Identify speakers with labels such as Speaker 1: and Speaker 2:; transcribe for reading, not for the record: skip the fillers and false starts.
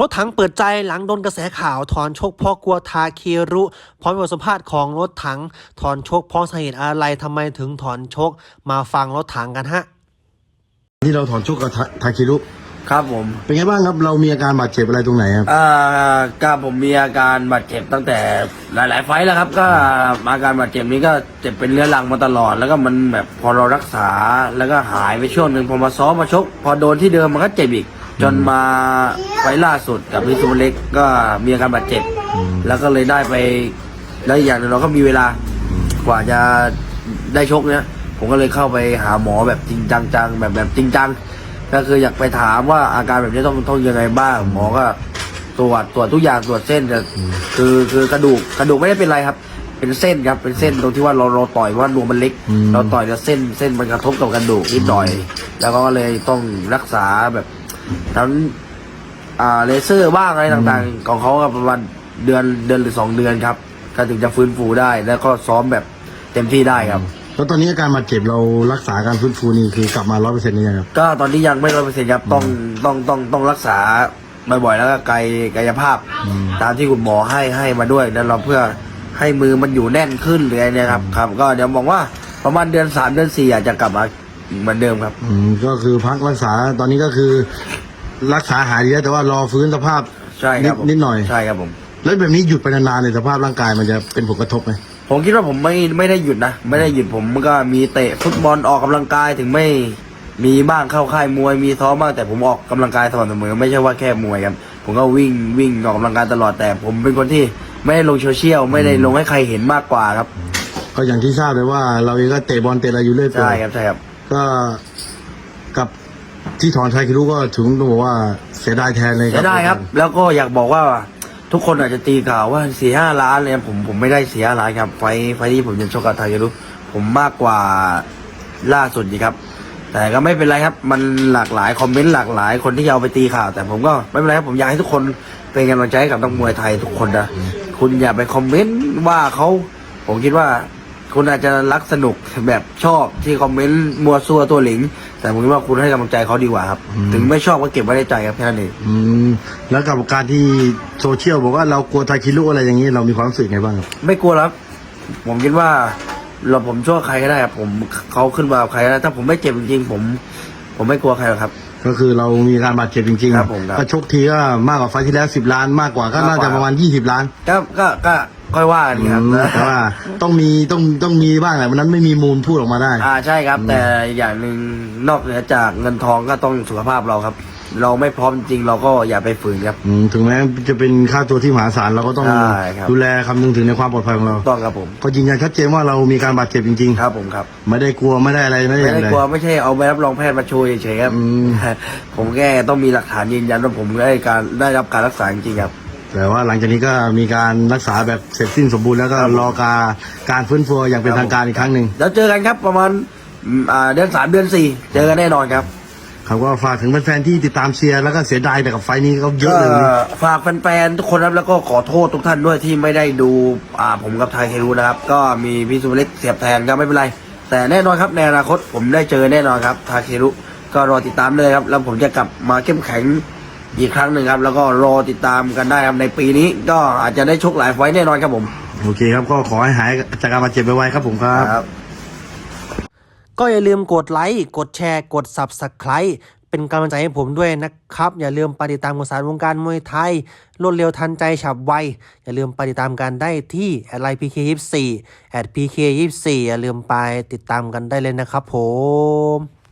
Speaker 1: ถถังเปิดใจหลังโดนกระแสข่าวถอนชกเพราะกลัวทาเครุพร้อมบทสัมภาษณ์ของรถถังถอนชกเพราะสาเหตุอะไรทำไมถึงถอนชกมาฟังรถถังกันฮะ
Speaker 2: ที่เราถอนชกกับทาคิรุ
Speaker 3: ครับผม
Speaker 2: เป็นไงบ้างครับเรามีอาการบาดเจ็บอะไรตรงไหนครับ
Speaker 3: ก็ผมมีอาการบาดเจ็บตั้งแต่หลายๆไฟล์แล้วครับก็อาการบาดเจ็บนี้ก็เจ็บเป็นเรื้อรังมาตลอดแล้วก็มันแบบพอเรารักษาแล้วก็หายไปช่วงหนึ่งพอมาซ้อมมาชกพอโดนที่เดิมมันก็เจ็บอีกจนมาไฟล์ล่าสุดกับพิซูเล็กก็มีอาการบาดเจ็บแล้วก็เลยได้ไปแล้วอย่างนึงเราก็มีเวลากว่าจะได้ชกเนี้ยผมก็เลยเข้าไปหาหมอแบบจริงจังแบบจริงจังก็คืออยากไปถามว่าอาการแบบนี้ต้องยังไงบ้างหมอก็ตรวจทุกอย่างตรวจเส้นคือกระดูกไม่ได้เป็นไรครับเป็นเส้นครับเป็นเส้นตรงที่ว่าเราต่อยว่านวมมันเล็กเราต่อยแล้วเส้นมันกระทบกับกระดูกนิดหน่อยแล้วก็เลยต้องรักษาแบบทั้งเลเซอร์บ้างอะไรต่างๆของเขาประมาณเดือนหรือ2 เดือนครับก็ถึงจะฟื้นฟูได้แล้วก็ซ้อมแบบเต็มที่ได้ครับ
Speaker 2: แล้วตอนนี้อาการบาดเจ็บเรารักษาการฟื้นฟูนี่คือกลับมา100%นี่ยังครับ
Speaker 3: ก็ตอนนี้ยังไม่100%ครับต้องรักษาบ่อยๆแล้วก็กายภาพตามที่คุณหมอให้มาด้วยนั่นเราเพื่อให้มือมันอยู่แน่นขึ้นหรืออะไรเนี่ยครับก็เดี๋ยวมองว่าประมาณเดือน 3 เดือน 4อาจจะกลับมาเหมือนเดิมครับ
Speaker 2: ก็คือพักรักษาตอนนี้ก็คือรักษาหายดีแล้วแต่ว่ารอฟื้นสภาพ
Speaker 3: ใช่ครับ
Speaker 2: นิดหน่อย
Speaker 3: ใช่ครับผม
Speaker 2: แล้วแบบนี้หยุดไปนานๆในสภาพร่างกายมันจะเป็นผลกระทบไหม
Speaker 3: ผมคิดว่าผมไม่ได้หยุดนะไม่ได้หยุดผมก็มีเตะฟุตบอลออกกำลังกายถึงไม่มีบ้างเข้าค่ายมวยมีซ้อมบ้างแต่ผมออกกำลังกายสม่ำเสมอไม่ใช่ว่าแค่มวยครับผมก็วิ่งออกกำลังกายตลอดแต่ผมเป็นคนที่ไม่ได้ลงโซเชียลไม่ได้ลงให้ใครเห็นมากกว่าครับ
Speaker 2: ก็อย่างที่ทราบเลยว่าเราเองก็เตะบอลเตะอะไรอยู่เรื่อย
Speaker 3: ใช่ครับ
Speaker 2: ก็กับที่ถอนไทคิรุก็ถึงต้องบอกว่าเสียดายแทนเลย
Speaker 3: เสียดายครับแล้วก็อยากบอกว่าทุกคนอาจจะตีข่าวว่า4-5 ล้านเลยผมไม่ได้4-5 ล้านครับไฟที่ผมจะชกกับไทยรู้ผมมากกว่าล่าสุดดีครับแต่ก็ไม่เป็นไรครับมันหลากหลายคอมเมนต์หลากหลายคนที่เอาไปตีข่าวแต่ผมก็ไม่เป็นไรครับผมอยากให้ทุกคนเป็นกำลังใจให้กับนักมวยไทยทุกคนนะคุณอย่าไปคอมเมนต์ว่าเขาผมคิดว่าคุณอาจจะรักสนุกแบบชอบที่คอมเมนต์มัวซัวตัวหลิงแต่ผมคิดว่าคุณให้กำลังใจเขาดีกว่าครับถึงไม่ชอบก็เก็บไว้ในใจครับแค่นั้นเอง
Speaker 2: แล้วกับการที่โซเชียลบอกว่าเรากลัวไทคิรุอะไรอย่างนี้เรามีความรู้สึกไงบ้างครับ
Speaker 3: ไม่กลัวครับผมคิดว่าผมช่วยใครก็ได้ครับผมเขาขึ้นมาใครก็ได้ถ้าผมไม่เจ็บจริงๆผมไม่กลัวใครหรอกครับ
Speaker 2: ก็คือเรามีการบาดเจ็บจริงๆ
Speaker 3: ครับผม
Speaker 2: ถ้าชกทีก็มากกว่าไฟที่แล้ว10 ล้านมากกว่าก็น่าจะประมาณ20 ล้าน
Speaker 3: ก็ค่อยว่ากันครับ
Speaker 2: แต่ว่าต้องมีบ้างแหละวันนั้นไม่มีมูลพูดออกมาได้
Speaker 3: ใช่ครับแต่อย่างหนึ่งนอกเหนือจากเงินทองก็ต้องสุขภาพเราครับเราไม่พร้อมจริงเราก็อย่าไปฝืนครับ
Speaker 2: ถึงแม้จะเป็นค่าตัวที่มหาศาลเราก็ต้องดูแลคำนึงถึงในความปลอดภัยของเรา
Speaker 3: ต้องครับผม
Speaker 2: ก็ยืนยันชัดเจนว่าเรามีการบาดเจ็บจริง
Speaker 3: ๆครับผมครับ
Speaker 2: ไม่ได้กลัวไม่ได้อะไรไม่ได้
Speaker 3: กลัวไม่ใช่เอาใบรับรองแพทย์มาโชว์เฉยๆครับผมแค่ต้องมีหลักฐานยืนยันว่าผมได้รับการรักษาจริงๆครับ
Speaker 2: แต่ว่าหลังจากนี้ก็มีการรักษาแบบเสร็จสิ้นสมบูรณ์แล้วก็รอการฟื้นฟูอย่างเป็นทางการอีกครั้งหนึ่ง
Speaker 3: แล้วเจอกันครับประมาณเดือน 3 เดือน 4เจอกันแน่นอนครับ
Speaker 2: เขาก็ฝากถึงแฟนๆที่ติดตามเชียร์แล้วก็เสียดายแต่กับไฟนี้ก็เยอะเลย
Speaker 3: ฝากแฟนๆทุกคนครับแล้วก็ขอโทษทุกท่านด้วยที่ไม่ได้ดูผมกับไทยเครูนะครับก็มีพี่สุเล็กเสียบแทนก็ไม่เป็นไรแต่แน่นอนครับในอนาคตผมได้เจอแน่นอนครับไทยเครูก็รอติดตามเลยครับแล้วผมจะกลับมาเข้มแข็งอีกครั้งหนึ่งครับแล้วก็รอติดตามกันได้ครับในปีนี้ก็อาจจะได้ชกหลายไฟแน่นอนครับผม
Speaker 2: โอเคครับก็ขอให้หายจากการบาดเจ็บไวๆครับผมครับ
Speaker 1: ก็อย่าลืมกดไลค์กดแชร์กด Subscribe เป็นกำลังใจให้ผมด้วยนะครับอย่าลืมไปติดตามข่าวสารวงการมวยไทยรวดเร็วทันใจฉับไวอย่าลืมไปติดตามกันได้ที่@PK24 @PK24 อย่าลืมไปติดตามกันได้เลยนะครับผม